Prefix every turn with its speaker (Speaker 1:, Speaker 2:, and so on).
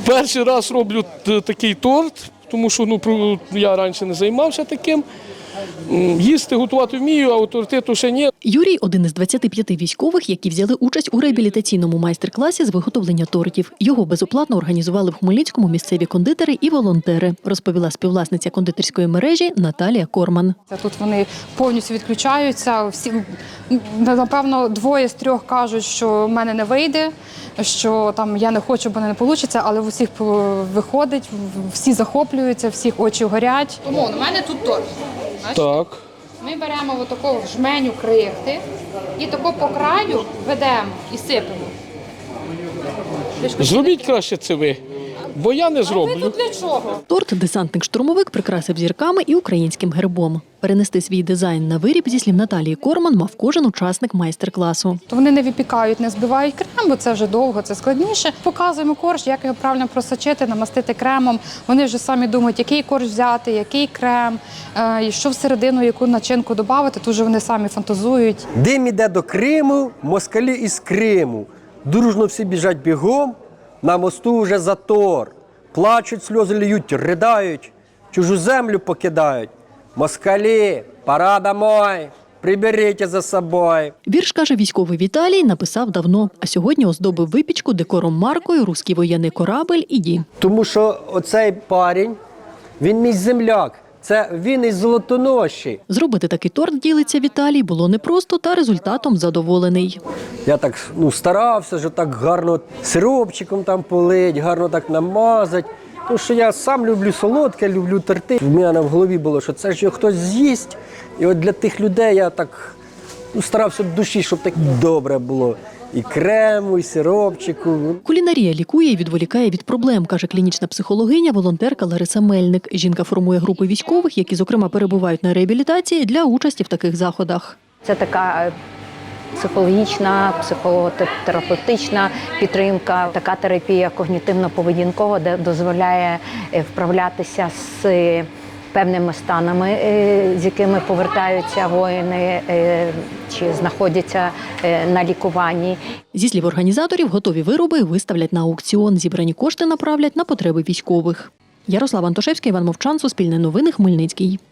Speaker 1: Перший раз роблю такий торт, тому що я раніше не займався таким. Їсти, готувати вмію, а торти то ще ні.
Speaker 2: Юрій – один із 25 військових, які взяли участь у реабілітаційному майстер-класі з виготовлення тортів. Його безоплатно організували в Хмельницькому місцеві кондитери і волонтери, розповіла співвласниця кондитерської мережі Наталія Корман.
Speaker 3: Тут вони повністю відключаються. Всі, напевно, 2 з 3 кажуть, що в мене не вийде, що там я не хочу, бо не вийде, але в усіх виходить, всі захоплюються, всіх очі горять. Тому у мене тут торт.
Speaker 1: Так.
Speaker 3: Ми беремо отаку жменю крихти і тако по краю ведемо і сипемо.
Speaker 1: Зробіть краще це ви, бо я не
Speaker 3: А
Speaker 1: зроблю.
Speaker 3: ви тут для чого?
Speaker 2: Торт десантник-штурмовик прикрасив зірками і українським гербом. Перенести свій дизайн на виріб, зі слів Наталії Корман, мав кожен учасник майстер-класу.
Speaker 3: То вони не випікають, не збивають крем, бо це вже довго, це складніше. Показуємо корж, як його правильно просочити, намастити кремом. Вони вже самі думають, який корж взяти, який крем, і що всередину, яку начинку додати. Тут вже вони самі фантазують.
Speaker 4: Дим іде до Криму, москалі із Криму. Дружно всі біжать бігом, на мосту вже затор. Плачуть, сльози льють, ридають, чужу землю покидають. Москалі, пора домой, приберіть за собою.
Speaker 2: Вірш, каже військовий Віталій, написав давно, а сьогодні оздобив випічку декором маркою «Руський воєнний корабель» і «Ді».
Speaker 4: Тому що оцей парень, він мій земляк. Це він із Золотоноші.
Speaker 2: Зробити такий торт, ділиться Віталій, було непросто, та результатом задоволений.
Speaker 4: Я так старався, що так гарно сиропчиком там полить, гарно так намазати. Тому що я сам люблю солодке, люблю торти. В мене в голові було, що це ж його хтось з'їсть. І от для тих людей я так старався в душі, щоб так добре було. І крему, і сиропчику.
Speaker 2: Кулінарія лікує і відволікає від проблем, каже клінічна психологиня, волонтерка Лариса Мельник. Жінка формує групи військових, які, зокрема, перебувають на реабілітації, для участі в таких заходах.
Speaker 5: Це така психологічна, психотерапевтична підтримка, така терапія когнітивно-поведінкова, де дозволяє вправлятися з певними станами, з якими повертаються воїни чи знаходяться на лікуванні.
Speaker 2: Зі слів організаторів, готові вироби виставлять на аукціон. Зібрані кошти направлять на потреби військових. Ярослав Антошевський, Іван Мовчан, Суспільне новини, Хмельницький.